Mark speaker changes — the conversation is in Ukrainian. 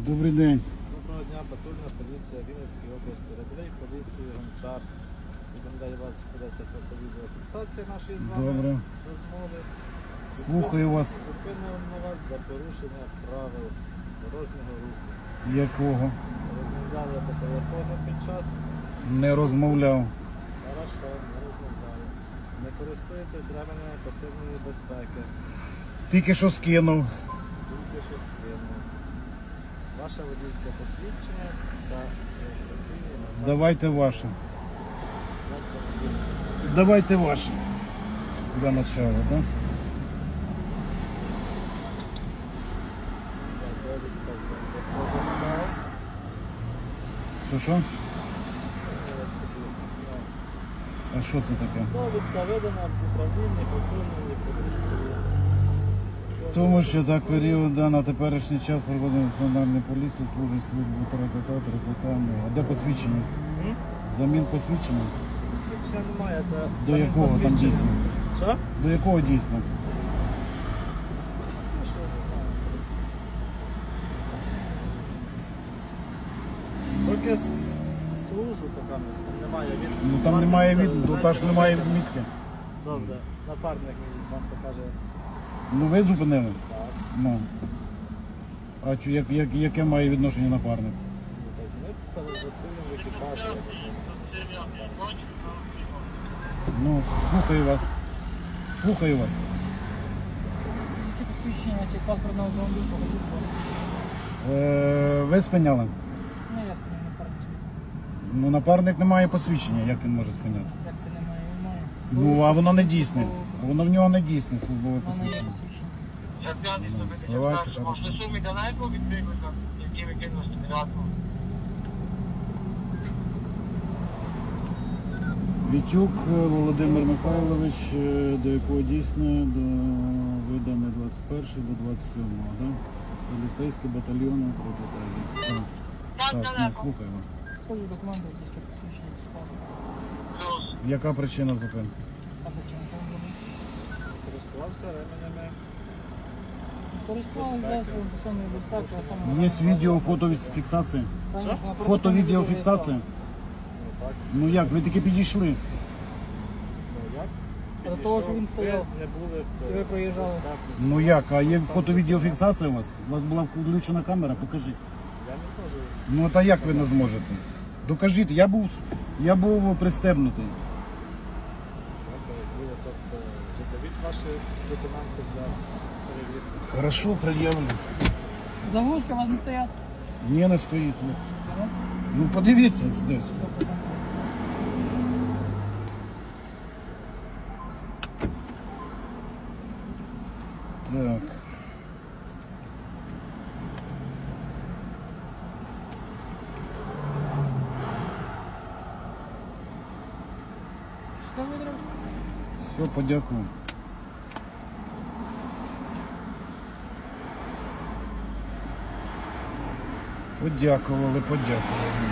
Speaker 1: Добрий день.
Speaker 2: Доброго дня, патрульна поліція Вінницької області, рядовий поліції Гончар. Відповідає вас, ведеться фото-відеофіксація нашої з вами
Speaker 1: Добре.
Speaker 2: розмови.
Speaker 1: Слухаю вас.
Speaker 2: Зупинимо вас за порушення правил дорожнього руху.
Speaker 1: Якого?
Speaker 2: Розмовляли по телефону під час.
Speaker 1: Не розмовляв.
Speaker 2: Хорошо, не розмовляли. Не користуєтесь ременями пасивної безпеки.
Speaker 1: Тільки що скинув.
Speaker 2: Тільки що скинув. Ваше водійське посвідчення та реєстраційний номер.
Speaker 1: Давайте ваше. Давайте ваше. Для начала, да? Що? А що це таке?
Speaker 2: Довідка видана в управлінні патрульної поліції.
Speaker 1: Тому що так період на теперішній час проводить національної поліції, служить службу тра-та-та. А де посвідчення? Замін посвідчення?
Speaker 2: Посвідчення немає, це
Speaker 1: До якого там
Speaker 2: посвідчення.
Speaker 1: дійсно?
Speaker 2: Що?
Speaker 1: До якого дійсно?
Speaker 2: Ну, що, не знаю. Поки служу, поки там немає від.
Speaker 1: Ну там немає від, та ж немає відмітки.
Speaker 2: Добре, напарник мій вам покаже.
Speaker 1: Ну ви зупинили?
Speaker 2: Так.
Speaker 1: Ну. А яке має відношення напарник?
Speaker 2: Ну, так, ми працюємо в екіпажі.
Speaker 1: Ну, слухаю вас. Слухаю вас.
Speaker 3: Скільки посвідчення чи паспортного автомобіля, покажіть, будь ласка.
Speaker 1: Ви спиняли?
Speaker 3: Ну, я спиняю напарник.
Speaker 1: Ну, напарник не має посвідчення, як він може спиняти?
Speaker 3: Як це немає? Немає.
Speaker 1: Ну, а воно не дійсне. Воно в нього не дійсне службове
Speaker 3: Воно є
Speaker 1: посвідчення.
Speaker 3: посвідчення.
Speaker 1: Давайте, хорошо. Вітюк Володимир Михайлович, до якого дійсне, до видане 21 до 27, да? Поліцейський батальйон. Так, ну, слухаю вас.
Speaker 3: Покажу документи, якісь посвідчення, паспорт.
Speaker 1: Яка причина зупинки?
Speaker 3: А причина автомобіля?
Speaker 2: Користувався ременями.
Speaker 3: Користувалися засобом пасивної безпеки, а саме...
Speaker 1: Є відео, фотофіксація?
Speaker 3: Конечно, на
Speaker 1: Фото-відеофіксація?
Speaker 2: Ну так.
Speaker 1: Ну як, ви таки підійшли?
Speaker 2: Ну як?
Speaker 3: До того, що він стояв.
Speaker 2: Ви не були
Speaker 3: І ви проїжджали.
Speaker 2: достатньо.
Speaker 1: Ну як, а є фото-відеофіксація у вас? У вас була включена камера, покажіть.
Speaker 2: Я не зможу.
Speaker 1: Ну та як ви не зможете? Докажіть, я був пристебнутий.
Speaker 2: Добре, було, тобто, додавіть ваші документи для перевірки.
Speaker 1: Хорошо, пред'явлю.
Speaker 3: Заглушки у вас не стоять?
Speaker 1: Ні, не стоїть. Ні.
Speaker 3: Ага.
Speaker 1: Ну подивіться десь.
Speaker 3: Все, потім.
Speaker 1: Так.
Speaker 3: Що видрав?
Speaker 1: Все, подякую. Подякували.